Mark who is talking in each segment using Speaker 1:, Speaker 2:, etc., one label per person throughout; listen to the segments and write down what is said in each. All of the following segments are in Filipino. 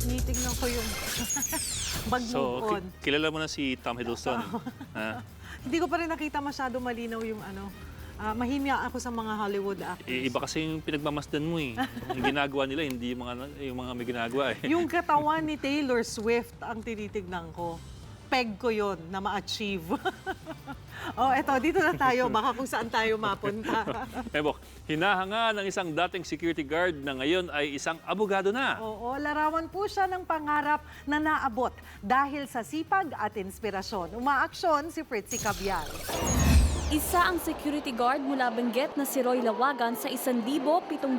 Speaker 1: tinitingnan ko yung mag-move on.
Speaker 2: Kilala mo na si Tom Hiddleston. Ha?
Speaker 1: Hindi ko pa rin nakita masyado malinaw yung mahimya ako sa mga Hollywood actors.
Speaker 2: Iba kasi yung pinagmamasdan mo eh. Yung ginagawa nila, hindi yung mga may ginagawa eh.
Speaker 1: Yung katawan ni Taylor Swift ang tinitignan ko. Peg ko yon na ma-achieve. Eto, dito na tayo. Baka kung saan tayo mapunta.
Speaker 2: Ebok, hinahanga ng isang dating security guard na ngayon ay isang abogado na.
Speaker 1: Oo, larawan po siya ng pangarap na naabot dahil sa sipag at inspirasyon. Umaaksyon si Fritzy Cabial.
Speaker 3: Isa ang security guard mula Benguet na si Roy Lawagan sa 1,731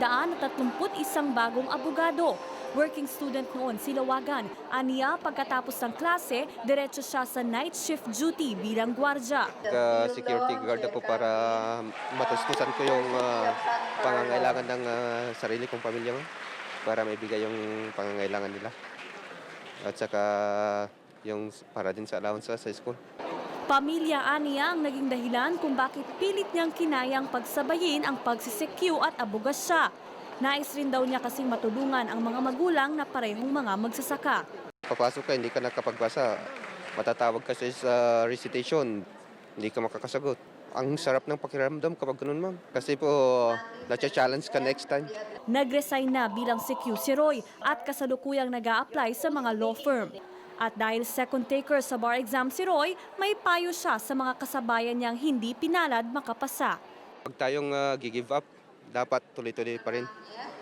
Speaker 3: bagong abogado. Working student noon si Lawagan. Aniya, pagkatapos ng klase, diretso siya sa night shift duty bilang gwardya.
Speaker 4: Security guard ako para matustusan ko yung pangangailangan ng sarili kong pamilya mo para maibigay yung pangangailangan nila. At saka yung para din sa allowance sa school.
Speaker 3: Pamilya aniya ang naging dahilan kung bakit pilit niyang kinayang pagsabayin ang pagsisekyu at abogasya. Nais rin daw niya kasing matulungan ang mga magulang na parehong mga magsasaka.
Speaker 4: Papasok ka, hindi ka nakapagbasa. Matatawag ka sa recitation, hindi ka makakasagot. Ang sarap ng pakiramdam kapag ganun, ma'am. Kasi po, na-challenge ka next time.
Speaker 3: Nag-resign na bilang CQ si Roy at kasalukuyang nag-a-apply sa mga law firm. At dahil second taker sa bar exam si Roy, may payo siya sa mga kasabayan niyang hindi pinalad makapasa.
Speaker 4: Pag tayong give up, dapat tuloy-tuloy pa rin.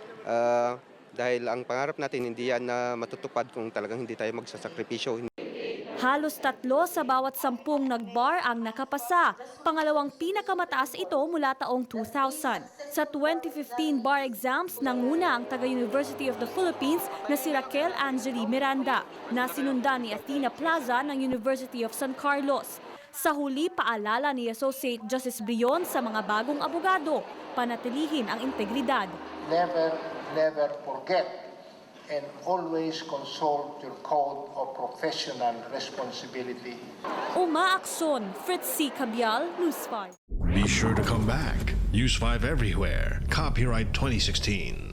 Speaker 4: Dahil ang pangarap natin hindi yan na matutupad kung talagang hindi tayo magsasakripisyo.
Speaker 3: Halos 3 sa bawat 10 nag-bar ang nakapasa. Pangalawang pinakamataas ito mula taong 2000. Sa 2015 bar exams, nanguna ang taga-University of the Philippines na si Raquel Angeli Miranda, na sinundan ni Athena Plaza ng University of San Carlos. Sa huli, paalala ni Associate Justice Brion sa mga bagong abogado, panatilihin ang integridad.
Speaker 5: Never forget and always consult your code of professional responsibility.
Speaker 3: Umaaksyon, Fritzy Cabial, News 5.
Speaker 6: Be sure to come back. Use 5 everywhere. Copyright 2016.